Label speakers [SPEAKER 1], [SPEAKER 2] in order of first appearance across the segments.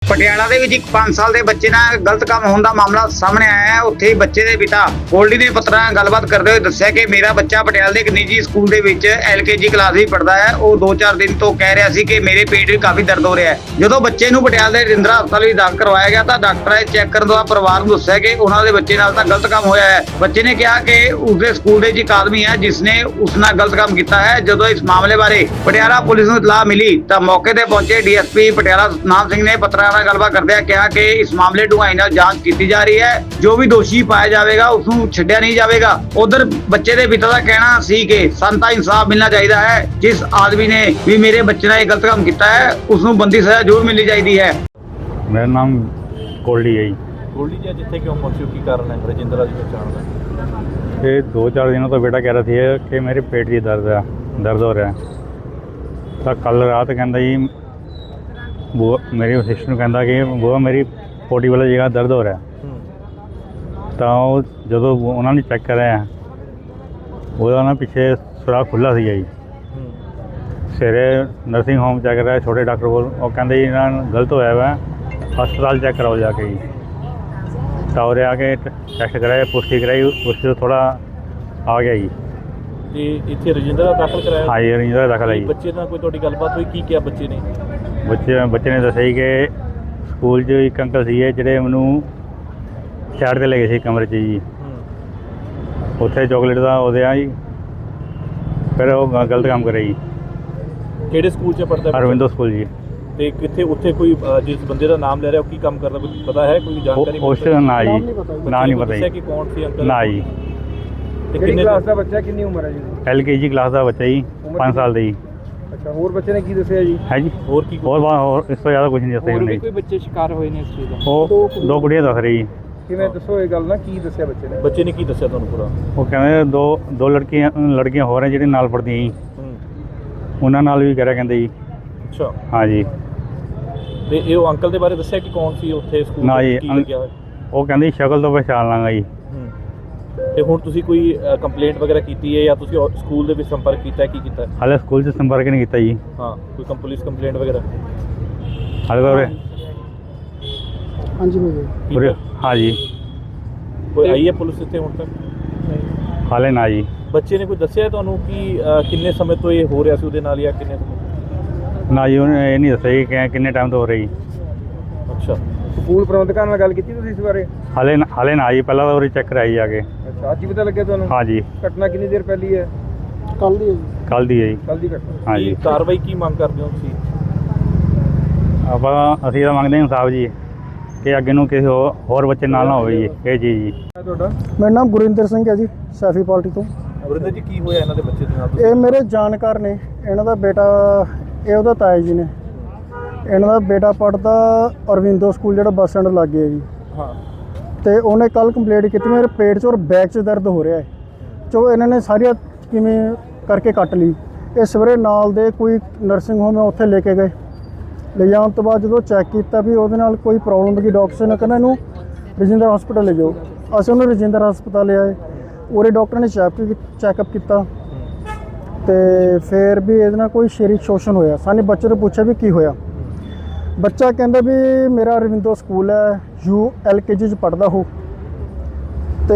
[SPEAKER 1] ਪਟਿਆਲਾ ਦੇ ਵਿੱਚ ਇੱਕ 5 ਸਾਲ ਦੇ ਬੱਚੇ ਨਾਲ ਗਲਤ ਕੰਮ ਹੋਣ ਦਾ ਮਾਮਲਾ ਸਾਹਮਣੇ ਆਇਆ ਹੈ। ਉੱਥੇ ਹੀ ਬੱਚੇ ਦੇ ਪਿਤਾ ਗੋਲਡੀ ਨੇ ਪੱਤਰਕਾਰਾਂ ਨਾਲ ਗੱਲਬਾਤ ਕਰਦੇ ਹੋਏ ਦੱਸਿਆ ਕਿ ਮੇਰਾ ਬੱਚਾ ਪਟਿਆਲਾ ਦੇ ਇੱਕ ਨਿੱਜੀ ਸਕੂਲ ਦੇ ਵਿੱਚ LKG ਕਲਾਸ ਵਿੱਚ ਪੜ੍ਹਦਾ ਹੈ। ਉਹ 2-4 ਦਿਨ ਤੋਂ ਕਹਿ ਰਿਹਾ ਸੀ ਕਿ ਮੇਰੇ ਪੇਟ ਵਿੱਚ ਕਾਫੀ ਦਰਦ ਹੋ ਰਿਹਾ ਹੈ। ਜਦੋਂ ਬੱਚੇ ਨੂੰ ਪਟਿਆਲਾ ਦੇ ਰਜਿੰਦਰਾ ਹਸਪਤਾਲ ਵਿੱਚ ਦਾਖਲ ਕਰਵਾਇਆ ਗਿਆ ਤਾਂ ਡਾਕਟਰਾਂ ਨੇ ਚੈੱਕ ਕਰਨ ਤੋਂ ਬਾਅਦ ਪਰਿਵਾਰ ਨੂੰ ਦੱਸਿਆ ਕਿ ਉਹਨਾਂ ਦੇ ਬੱਚੇ ਨਾਲ ਤਾਂ ਗਲਤ ਕੰਮ ਹੋਇਆ ਹੈ। ਬੱਚੇ ਨੇ ਕਿਹਾ ਕਿ ਉਸਦੇ ਸਕੂਲ ਦੇ ਵਿੱਚ ਇੱਕ ਆਦਮੀ ਹੈ ਜਿਸ ਨੇ ਉਸ ਨਾਲ ਗਲਤ ਕੰਮ ਕੀਤਾ ਹੈ। ਜਦੋਂ ਇਸ ਮਾਮਲੇ ਬਾਰੇ ਪਟਿਆਲਾ ਪੁਲਿਸ ਨੂੰ ਇਤਲਾਹ ਮਿਲੀ ਤਾਂ ਮੌਕੇ ਤੇ ਪਹੁੰਚੇ DSP ਪਟਿਆਲਾ ਸਤਨਾਮ ਸਿੰਘ ਨੇ ਪੱਤਰਕਾਰਾਂ ਨਾਲ ਗੱਲਬਾਤ ਕਰਦਿਆਂ ਕਿਹਾ ਕਿ ਇਸ ਮਾਮਲੇ ਢੁਆਈ ਨਾਲ ਜਾਂਚ ਕੀਤੀ ਜਾ ਰਹੀ ਹੈ। ਜੋ ਵੀ ਦੋਸ਼ੀ ਪਾਇਆ ਜਾਵੇਗਾ ਉਸ ਨੂੰ ਛੱਡਿਆ ਨਹੀਂ ਜਾਵੇਗਾ। ਉਧਰ ਬੱਚੇ ਦੇ ਪਿਤਾ ਦਾ ਕਹਿਣਾ ਸੀ ਕਿ ਸਾਨੂੰ ਤਾਂ ਇਨਸਾਫ ਮਿਲਣਾ ਚਾਹੀਦਾ ਹੈ। ਜਿਸ ਆਦਮੀ ਨੇ ਵੀ ਮੇਰੇ ਬੱਚੇ ਨਾਲ ਇਹ ਗਲਤ ਕੰਮ ਕੀਤਾ ਹੈ ਉਸ ਨੂੰ ਬੰਦੀ ਸਜ਼ਾ ਜ਼ਰੂਰ ਮਿਲਣੀ ਚਾਹੀਦੀ ਹੈ।
[SPEAKER 2] ਮੇਰਾ ਨਾਮ ਗੋਲਡੀ ਹੈ ਜੀ।
[SPEAKER 3] ਗੋਲਡੀ ਜੀ ਜਿੱਥੇ ਕਿਉਂ ਪਹੁੰਚੇ ਹੋ, ਕੀ ਕਾਰਨ ਹੈ ਰਜਿੰਦਰਾ ਦੀ ਪਛਾਣ ਦਾ?
[SPEAKER 2] ਇਹ 2-4 ਦਿनों ਤੋਂ ਬੇਟਾ ਕਹਿ ਰਿਹਾ ਸੀ ਕਿ ਮੇਰੇ ਪੇਟ 'ਚ ਦਰਦ ਹੋ ਰਿਹਾ। ਤਾਂ ਕੱਲ ਰਾਤ ਕਹਿੰਦਾ ਜੀ ਬੂਆ ਮੇਰੀ ਸਿਸਟਰ ਨੂੰ ਕਹਿੰਦਾ ਕਿ ਬੂਆ ਮੇਰੀ ਪੋਟੀ ਵਾਲੀ ਜਗ੍ਹਾ ਦਰਦ ਹੋ ਰਿਹਾ। ਤਾਂ ਉਹ ਜਦੋਂ ਉਹਨਾਂ ਨੇ ਚੈੱਕ ਕਰਿਆ ਉਹਦਾ ਨਾ ਪਿੱਛੇ ਸੁਰਾਖ ਖੁੱਲ੍ਹਾ ਸੀਗਾ ਜੀ। ਸਵੇਰੇ ਨਰਸਿੰਗ ਹੋਮ ਚੈੱਕ ਕਰਾਇਆ ਛੋਟੇ ਡਾਕਟਰ ਕੋਲ, ਉਹ ਕਹਿੰਦੇ ਜੀ ਇਹਨਾਂ ਨੂੰ ਗਲਤ ਹੋਇਆ ਵਾ, ਹਸਪਤਾਲ ਚੈੱਕ ਕਰਾਓ ਜਾ ਕੇ ਜੀ। ਤਾਂ ਉਰੇ ਆ ਕੇ ਟੈਸਟ ਕਰਾਇਆ, ਪੁਸ਼ਟੀ ਕਰਾਈ, ਉਸ ਤੋਂ ਥੋੜ੍ਹਾ ਆ ਗਿਆ ਜੀ।
[SPEAKER 3] ਤੇ ਇੱਥੇ ਰਜਿੰਦਰਾ ਦਾਖਲ ਕਰਾਇਆ?
[SPEAKER 2] ਹਾਂ ਜੀ, ਰਜਿੰਦਰਾ ਦਾਖਲ ਹੈ ਜੀ।
[SPEAKER 3] ਬੱਚੇ ਨਾਲ ਕੋਈ ਤੁਹਾਡੀ ਗੱਲਬਾਤ ਹੋਈ, ਕੀ ਕਿਹਾ ਬੱਚੇ ਨੇ?
[SPEAKER 2] ਬੱਚੇ ਨੇ ਦੱਸਿਆ ਜੀ ਕਿ ਸਕੂਲ 'ਚ ਇੱਕ ਅੰਕਲ ਸੀਗੇ ਜਿਹੜੇ ਮੈਨੂੰ ਸਾਈਡ 'ਤੇ ਲੈ ਗਏ ਸੀ ਕਮਰੇ 'ਚ ਜੀ। ਉੱਥੇ ਚੋਕਲੇਟ ਦਾ ਉਹਦੇ ਆ ਜੀ, ਫਿਰ ਉਹ ਗਲਤ ਕੰਮ ਕਰਿਆ ਜੀ।
[SPEAKER 3] ਕਿਹੜੇ ਸਕੂਲ 'ਚ ਪੜ੍ਹਦਾ?
[SPEAKER 2] ਅਰਵਿੰਦੋ ਸਕੂਲ ਜੀ।
[SPEAKER 3] ਤੇ ਕਿੱਥੇ ਉੱਥੇ ਕੋਈ ਜਿਸ ਬੰਦੇ ਦਾ ਨਾਮ ਲੈ ਰਿਹਾ ਉਹ ਕੀ ਕੰਮ ਕਰਦਾ, ਕੁਝ ਪਤਾ ਹੈ, ਕੋਈ ਜਾਣਕਾਰੀ?
[SPEAKER 2] ਉਸ ਨਾ ਜੀ, ਨਾ ਨਹੀਂ ਪਤਾ ਜੀ।
[SPEAKER 3] ਕਿ ਕੌਣ ਸੀ ਅੰਕਲ?
[SPEAKER 2] ਨਾ ਜੀ।
[SPEAKER 3] ਤੇ ਕਿੰਨੇ
[SPEAKER 4] ਕਲਾਸ ਦਾ ਬੱਚਾ, ਕਿੰਨੀ ਉਮਰ ਹੈ ਜੀ?
[SPEAKER 2] LKG ਕਲਾਸ ਦਾ ਬੱਚਾ ਜੀ, 5 ਸਾਲ ਦਾ ਜੀ।
[SPEAKER 4] ਅੱਛਾ, ਹੋਰ ਬੱਚੇ ਨੇ ਕੀ ਦੱਸਿਆ ਜੀ?
[SPEAKER 2] ਹੈ ਜੀ,
[SPEAKER 3] ਹੋਰ ਕੀ?
[SPEAKER 2] ਹੋਰ ਇਸ ਤੋਂ ਜ਼ਿਆਦਾ ਕੁਝ ਨਹੀਂ ਦੱਸਿਆ ਉਹਨੇ।
[SPEAKER 4] ਕੋਈ ਬੱਚੇ ਸ਼ਿਕਾਰ ਹੋਏ ਨੇ ਇਸ ਚੀਜ਼ ਦਾ?
[SPEAKER 2] ਉਹ 2 ਕੁੜੀਆਂ ਦੱਸ ਰਹੀ ਜੀ।
[SPEAKER 4] ਕਿਵੇਂ ਦੱਸੋ ਇਹ ਗੱਲ ਨਾ, ਕੀ ਦੱਸਿਆ ਬੱਚੇ ਨੇ?
[SPEAKER 3] ਬੱਚੇ ਨੇ ਕੀ ਦੱਸਿਆ ਤੁਹਾਨੂੰ ਪੂਰਾ?
[SPEAKER 2] ਉਹ ਕਹਿੰਦੇ ਦੋ ਲੜਕੀਆਂ ਹੋਰ ਹੈ ਜਿਹੜੀਆਂ ਨਾਲ ਪੜ੍ਹਦੀਆਂ ਜੀ, ਉਹਨਾਂ ਨਾਲ ਵੀ ਕਹਿ ਰਿਹਾ ਕਹਿੰਦੇ ਜੀ।
[SPEAKER 3] ਅੱਛਾ।
[SPEAKER 2] ਹਾਂ ਜੀ।
[SPEAKER 3] ਤੇ ਇਹ ਉਹ ਅੰਕਲ ਦੇ ਬਾਰੇ ਦੱਸਿਆ ਕਿ ਕੌਣ ਸੀ ਉੱਥੇ ਸਕੂਲ?
[SPEAKER 2] ਨਾ ਜੀ,
[SPEAKER 3] ਕੀ ਲੱਗਿਆ ਹੋਇਆ?
[SPEAKER 2] ਉਹ ਕਹਿੰਦੇ ਸ਼ਕਲ ਤੋਂ ਪਛਾਣ ਲਾਂਗਾ ਜੀ।
[SPEAKER 3] ਤੇ ਹੁਣ ਤੁਸੀਂ ਕੋਈ ਕੰਪਲੇਂਟ ਵਗੈਰਾ ਕੀਤੀ ਹੈ ਜਾਂ ਤੁਸੀਂ ਸਕੂਲ ਦੇ ਵਿੱਚ ਸੰਪਰਕ ਕੀਤਾ ਹੈ, ਕੀ ਕੀਤਾ?
[SPEAKER 2] ਹਾਲੇ ਸਕੂਲ 'ਚ ਸੰਪਰਕ ਨਹੀਂ ਕੀਤਾ ਜੀ।
[SPEAKER 3] ਹਾਂ, ਕੋਈ ਪੁਲਿਸ ਕੰਪਲੇਂਟ ਵਗੈਰਾ?
[SPEAKER 2] ਹਾਲੇ ਤਾਂ
[SPEAKER 4] ਹਾਂਜੀ
[SPEAKER 2] ਉਰੇ ਹਾਂ ਜੀ।
[SPEAKER 3] ਕੋਈ ਆਈ ਹੈ ਪੁਲਿਸ ਇੱਥੇ ਹੁਣ ਤੱਕ?
[SPEAKER 2] ਹਾਲੇ ਨਾ ਜੀ।
[SPEAKER 3] ਬੱਚੇ ਨੇ ਕੋਈ ਦੱਸਿਆ ਤੁਹਾਨੂੰ ਕਿ ਕਿੰਨੇ ਸਮੇਂ ਤੋਂ ਇਹ ਹੋ ਰਿਹਾ ਸੀ ਉਹਦੇ ਨਾਲ, ਜਾਂ ਕਿੰਨੇ ਸਮੇਂ?
[SPEAKER 2] ਨਾ ਜੀ, ਉਹਨੇ ਇਹ ਨਹੀਂ ਦੱਸਿਆ ਜੀ ਕਿ ਕਿੰਨੇ ਟਾਈਮ ਤੋਂ ਹੋ ਰਹੀ।
[SPEAKER 3] ਅੱਛਾ।
[SPEAKER 4] ਸਕੂਲ ਪ੍ਰਬੰਧਕਾਂ ਨਾਲ ਗੱਲ ਕੀਤੀ ਤੁਸੀਂ ਇਸ ਬਾਰੇ?
[SPEAKER 2] ਹਾਲੇ ਨਾ ਜੀ, ਪਹਿਲਾਂ ਤਾਂ ਉਰੇ ਚੈੱਕ ਕਰਾਈ ਜਾ ਕੇ।
[SPEAKER 4] ਅੱਛਾ, ਅੱਜ ਹੀ ਪਤਾ ਲੱਗਿਆ ਤੁਹਾਨੂੰ?
[SPEAKER 2] ਹਾਂ ਜੀ।
[SPEAKER 4] ਘਟਨਾ ਕਿੰਨੀ ਦੇਰ ਪਹਿਲੀ ਹੈ? ਕੱਲ ਦੀ ਹੈ ਜੀ।
[SPEAKER 2] ਕੱਲ੍ਹ ਦੀ ਹੈ ਜੀ।
[SPEAKER 4] ਕੱਲ ਦੀ ਘਟਨਾ।
[SPEAKER 2] ਹਾਂ ਜੀ।
[SPEAKER 3] ਕਾਰਵਾਈ ਕੀ ਮੰਗ ਕਰਦੇ ਹੋ ਤੁਸੀਂ?
[SPEAKER 2] ਅਸੀਂ ਤਾਂ ਮੰਗਦੇ ਹਾਂ ਇਨਸਾਫ ਜੀ, ਕਿ ਅੱਗੇ ਨੂੰ ਕਿਸੇ ਹੋਰ ਬੱਚੇ ਨਾਲ ਨਾ ਹੋਵੇ ਜੀ ਇਹ ਚੀਜ਼ ਜੀ।
[SPEAKER 4] ਤੁਹਾਡਾ?
[SPEAKER 5] ਮੇਰਾ ਨਾਮ ਗੁਰਿੰਦਰ ਸਿੰਘ ਹੈ ਜੀ, ਸੈਫੀ ਪਾਰਟੀ ਤੋਂ।
[SPEAKER 3] ਵਰਿੰਦਰ ਜੀ, ਕੀ ਹੋਇਆ ਇਹਨਾਂ ਦੇ ਬੱਚੇ ਦੇ ਨਾਲ?
[SPEAKER 5] ਇਹ ਮੇਰੇ ਜਾਣਕਾਰ ਨੇ। ਇਹਨਾਂ ਦਾ ਬੇਟਾ, ਇਹ ਉਹਦਾ ਤਾਇਆ ਜੀ ਨੇ। ਇਹਨਾਂ ਦਾ ਬੇਟਾ ਪੜ੍ਹਦਾ ਅਰਵਿੰਦੋ ਸਕੂਲ ਜਿਹੜਾ ਬੱਸ ਸਟੈਂਡ ਲਾਗੇ ਹੈ ਜੀ।
[SPEAKER 3] ਹਾਂ।
[SPEAKER 5] ਤੇ ਉਹਨੇ ਕੱਲ ਕੰਪਲੇਂਟ ਕੀਤੀ ਮੇਰੇ ਪੇਟ 'ਚ ਔਰ ਬੈਕ 'ਚ ਦਰਦ ਹੋ ਰਿਹਾ ਹੈ। ਚੋ ਇਹਨਾਂ ਨੇ ਸਾਰੀਆਂ ਕਿਵੇਂ ਕਰਕੇ ਕੱਟ ਲਈ। ਇਹ ਸਵੇਰੇ ਨਾਲ ਦੇ ਕੋਈ ਨਰਸਿੰਗ ਹੋਮ ਹੈ ਉੱਥੇ ਲੈ ਕੇ ਗਏ। ਲੈ ਜਾਣ ਤੋਂ ਬਾਅਦ ਜਦੋਂ ਚੈੱਕ ਕੀਤਾ ਵੀ ਉਹਦੇ ਨਾਲ ਕੋਈ ਪ੍ਰੋਬਲਮ ਦੀ, ਡਾਕਟਰ ਨੇ ਕਹਿੰਦਾ ਇਹਨੂੰ ਰਜਿੰਦਰ ਹਸਪਤਾਲ ਲੈ ਜਾਓ। ਅਸੀਂ ਉਹਨੂੰ ਰਜਿੰਦਰ ਹਸਪਤਾਲ ਲਿਆਏ। ਉਰੇ ਡਾਕਟਰ ਨੇ ਚੈੱਕਅਪ ਕੀਤਾ ਤੇ ਫਿਰ ਵੀ ਇਹਦੇ ਨਾਲ ਕੋਈ ਸਰੀਰਕ ਸ਼ੋਸ਼ਣ ਹੋਇਆ। ਸਾਨੂੰ ਬੱਚੇ ਤੋਂ ਪੁੱਛਿਆ ਵੀ ਕੀ ਹੋਇਆ। ਬੱਚਾ ਕਹਿੰਦਾ ਵੀ ਮੇਰਾ ਅਰਵਿੰਦੋ ਸਕੂਲ ਹੈ, LKG 'ਚ ਪੜ੍ਹਦਾ ਹੋ, ਤੇ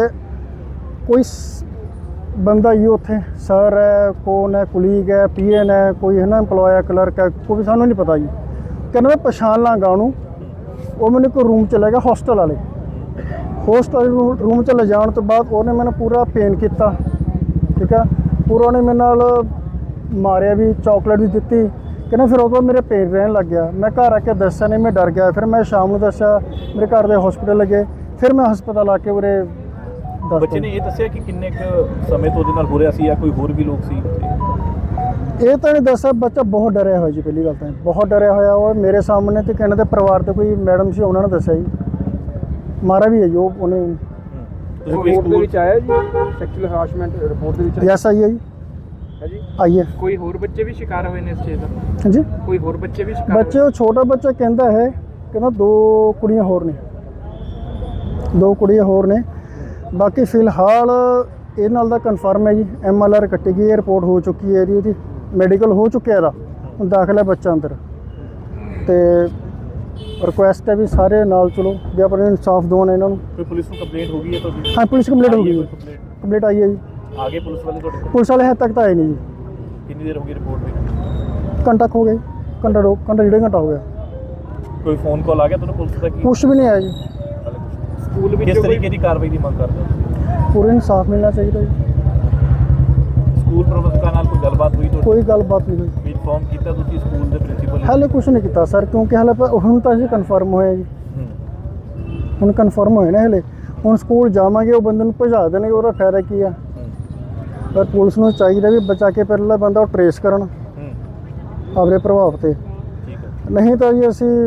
[SPEAKER 5] ਕੋਈ ਬੰਦਾ ਹੀ ਉੱਥੇ ਸਰ ਹੈ, ਕੌਣ ਹੈ, ਕੁਲੀਗ ਹੈ, PN ਹੈ, ਕੋਈ ਹੈ ਨਾ ਇੰਪਲੋਏ ਹੈ, ਕਲਰਕ ਹੈ, ਕੋਈ ਸਾਨੂੰ ਨਹੀਂ ਪਤਾ ਜੀ। ਕਹਿੰਦਾ ਮੈਂ ਪਛਾਣ ਲਾਂਗਾ ਉਹਨੂੰ। ਉਹ ਮੈਨੂੰ ਕੋਈ ਰੂਮ 'ਚ ਲੈ ਗਿਆ, ਹੋਸਟਲ ਵਾਲੇ ਰੂਮ 'ਚ ਲੈ ਜਾਣ ਤੋਂ ਬਾਅਦ ਉਹਨੇ ਮੈਨੂੰ ਪੂਰਾ ਪੇਨ ਕੀਤਾ, ਠੀਕ ਹੈ, ਪੂਰਾ ਉਹਨੇ ਮੇਰੇ ਨਾਲ ਮਾਰਿਆ ਵੀ, ਚਾਕਲੇਟ ਵੀ ਦਿੱਤੀ। ਕਹਿੰਦਾ ਫਿਰ ਉਹ ਤੋਂ ਮੇਰੇ ਪੇਨ ਰਹਿਣ ਲੱਗ ਗਿਆ। ਮੈਂ ਘਰ ਆ ਕੇ ਦੱਸਿਆ ਨਹੀਂ, ਮੈਂ ਡਰ ਗਿਆ। ਫਿਰ ਮੈਂ ਸ਼ਾਮ ਨੂੰ ਦੱਸਿਆ, ਮੇਰੇ ਘਰ ਦੇ ਹਸਪੀਟਲ ਲੱਗੇ। ਫਿਰ ਮੈਂ ਹਸਪਤਾਲ ਆ ਕੇ ਉਰੇ ਦੱਸ।
[SPEAKER 3] ਬੱਚੇ ਨੇ ਇਹ ਦੱਸਿਆ ਕਿ ਕਿੰਨੇ ਕੁ ਸਮੇਂ ਤੋਂ ਉਹਦੇ ਨਾਲ ਹੋ ਰਿਹਾ ਸੀ ਜਾਂ ਕੋਈ ਹੋਰ ਵੀ ਲੋਕ ਸੀ ਉੱਥੇ?
[SPEAKER 5] ਇਹ ਤਾਂ ਨਹੀਂ ਦੱਸਿਆ। ਬੱਚਾ ਬਹੁਤ ਡਰਿਆ ਹੋਇਆ ਜੀ, ਪਹਿਲੀ ਗੱਲ ਤਾਂ ਬਹੁਤ ਡਰਿਆ ਹੋਇਆ। ਉਹ ਮੇਰੇ ਸਾਹਮਣੇ ਤੇ ਕਹਿੰਦੇ ਪਰਿਵਾਰ ਦੇ ਕੋਈ ਮੈਡਮ ਸੀ, ਉਹਨਾਂ ਨੇ ਦੱਸਿਆ ਜੀ। ਮਾਰਾ ਵੀ ਹੈ ਜੀ ਉਹਨੇ।
[SPEAKER 4] ਰਿਪੋਰਟ ਦੇ ਵਿੱਚ ਆਇਆ ਜੀ ਸੈਕਸ਼ੂਅਲ ਹਰਾਸਮੈਂਟ ਰਿਪੋਰਟ ਦੇ ਵਿੱਚ?
[SPEAKER 5] ਯੈਸ ਆਈ ਹੈ ਜੀ।
[SPEAKER 4] ਹੈ ਜੀ।
[SPEAKER 5] ਆਈ ਹੈ।
[SPEAKER 4] ਕੋਈ ਹੋਰ ਬੱਚੇ ਵੀ ਸ਼ਿਕਾਰ ਹੋਏ ਨੇ ਇਸ ਚੀਜ਼ ਦਾ?
[SPEAKER 5] ਹਾਂਜੀ,
[SPEAKER 4] ਕੋਈ ਹੋਰ ਬੱਚੇ ਵੀ ਸ਼ਿਕਾਰ?
[SPEAKER 5] ਬੱਚੇ ਉਹ ਛੋਟਾ ਬੱਚਾ ਕਹਿੰਦਾ ਹੈ, ਕਹਿੰਦਾ 2 ਕੁੜੀਆਂ ਹੋਰ ਨੇ, 2 ਕੁੜੀਆਂ ਹੋਰ ਨੇ। ਬਾਕੀ ਫਿਲਹਾਲ ਇਹ ਨਾਲ ਦਾ ਕਨਫਰਮ ਹੈ ਜੀ। MLR ਕੱਟੀ ਗਈ ਹੈ, ਰਿਪੋਰਟ ਹੋ ਚੁੱਕੀ ਹੈ ਇਹਦੀ ਮੈਡੀਕਲ ਹੋ ਚੁੱਕਿਆ ਇਹਦਾ। ਹੁਣ ਦਾਖਲ ਹੈ ਬੱਚਾ ਅੰਦਰ। ਤੇ ਰਿਕੁਐਸਟ ਹੈ ਵੀ ਸਾਰੇ ਨਾਲ ਚਲੋ ਵੀ ਆਪਣੇ ਇਨਸਾਫ ਦਿਵਾਉਣ ਇਹਨਾਂ ਨੂੰ।
[SPEAKER 3] ਕੋਈ ਪੁਲਿਸ ਨੂੰ ਕੰਪਲੇਂਟ ਹੋ ਗਈ ਹੈ ਤੁਹਾਡੀ?
[SPEAKER 5] ਹਾਂ ਪੁਲਿਸ ਕੰਪਲੀਟ ਹੋ
[SPEAKER 3] ਆਈ ਹੈ
[SPEAKER 5] ਗਈ
[SPEAKER 3] ਕੋਈ
[SPEAKER 5] ਜੀ,
[SPEAKER 3] ਕੰਪਲੇਂਟ?
[SPEAKER 5] ਕੰਪਲੀਟ ਆਈ ਹੈ ਜੀ।
[SPEAKER 3] ਆ ਗਏ ਪੁਲਿਸ ਵਾਲੇ ਤੁਹਾਡੇ ਕੋਲ?
[SPEAKER 5] ਪੁਲਿਸ ਵਾਲੇ ਹਜੇ ਤੱਕ ਤਾਂ ਆਏ ਨਹੀਂ ਜੀ।
[SPEAKER 3] ਕਿੰਨੀ ਦੇਰ ਹੋ ਗਈ ਰਿਪੋਰਟ ਦੀ?
[SPEAKER 5] ਘੰਟਾ ਕੁ ਹੋ ਗਿਆ ਜੀ, ਘੰਟਾ ਡੇਢ ਘੰਟਾ ਹੋ ਗਿਆ,
[SPEAKER 3] ਕੋਈ ਫੋਨ ਕਾਲ ਆ ਗਿਆ ਤੁਹਾਨੂੰ ਪੁਲਿਸ ਦਾ? ਕੀ
[SPEAKER 5] ਕੁਛ ਵੀ ਨਹੀਂ ਆਇਆ ਜੀ।
[SPEAKER 3] ਸਕੂਲ ਵਿੱਚ ਕਿਸ ਤਰੀਕੇ ਦੀ ਕਾਰਵਾਈ ਦੀ ਮੰਗ ਕਰਦੇ ਹੋ?
[SPEAKER 5] ਪੂਰੇ ਇਨਸਾਫ ਮਿਲਣਾ ਚਾਹੀਦਾ ਜੀ।
[SPEAKER 3] ਸਕੂਲ ਪ੍ਰਬੰਧਕਾਂ ਨਾਲ ਕੋਈ ਗੱਲਬਾਤ ਹੋਈ ਤੁਹਾਡੀ?
[SPEAKER 5] ਕੋਈ ਗੱਲਬਾਤ ਨਹੀਂ ਹੋਈ,
[SPEAKER 3] ਵੀ ਇਨਫੋਰਮ ਕੀਤਾ ਤੁਸੀਂ ਸਕੂਲ ਦੇ ਪ੍ਰਿੰਸੀਪਲ?
[SPEAKER 5] ਹਾਲੇ ਕੁਛ ਨਹੀਂ ਕੀਤਾ ਸਰ, ਕਿਉਂਕਿ ਹਾਲੇ ਹੁਣ ਤਾਂ ਜੀ ਕਨਫਰਮ ਹੋਇਆ ਜੀ, ਹੁਣ ਕਨਫਰਮ ਹੋਇਆ ਨਾ ਹਲੇ। ਹੁਣ ਸਕੂਲ ਜਾਵਾਂਗੇ ਉਹ ਬੰਦੇ ਨੂੰ ਭਜਾ ਦੇਣਗੇ, ਉਹਦਾ ਫਾਇਦਾ ਕੀ ਆ? ਪਰ ਪੁਲਿਸ ਨੂੰ ਚਾਹੀਦਾ ਵੀ ਬਚਾ ਕੇ ਪਹਿਲਾਂ ਬੰਦਾ ਉਹ ਟਰੇਸ ਕਰਨ ਆਪਣੇ ਪ੍ਰਭਾਵ ਤੇ,
[SPEAKER 3] ਠੀਕ ਹੈ।
[SPEAKER 5] ਨਹੀਂ ਤਾਂ ਜੀ ਅਸੀਂ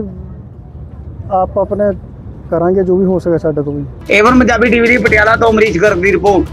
[SPEAKER 5] ਆਪ ਆਪਣੇ ਕਰਾਂਗੇ ਜੋ ਵੀ ਹੋ ਸਕੇ ਸਾਡੇ ਤੋਂ ਵੀ।
[SPEAKER 1] ਏਵਨ ਪੰਜਾਬੀ ਟੀਵੀ ਦੀ ਪਟਿਆਲਾ ਤੋਂ ਅਮਰੀਸ਼ ਗਰਗ ਦੀ ਰਿਪੋਰਟ।